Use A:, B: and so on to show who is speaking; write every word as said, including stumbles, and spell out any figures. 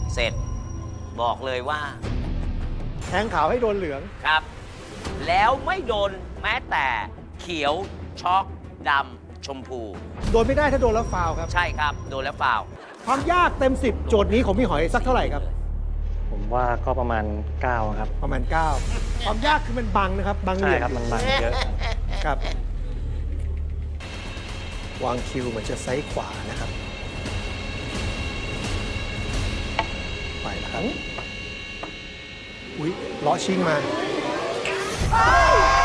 A: เสร็จบอกเลยว่า
B: แทงขาวให้โดนเหลือง
A: ครับ แล้วไม่โดนแม้แต่เขียวช็อกดำชมพู
B: โดนไม่ได้ถ้าโดนแล้วฟาวล์ครับ
A: ใช่ครับ โดนแล้วเปล่า
B: ความยากเต็มสิบโจทย์นี้ของพี่หอยสักเท่าไหร่ครับ
C: ผมว่าก็ประมาณเก้าครับ
B: ประมาณเก้าความยากคือมันบังนะครับ บังเห
C: ใช่
B: ลี่ยม
C: ครับมันบังเยอะ
B: ครับ วางคิวเหมือนจะไซส์ขวานะครับ ไปแล้วครับ อุ๊ยเลาะชิงมา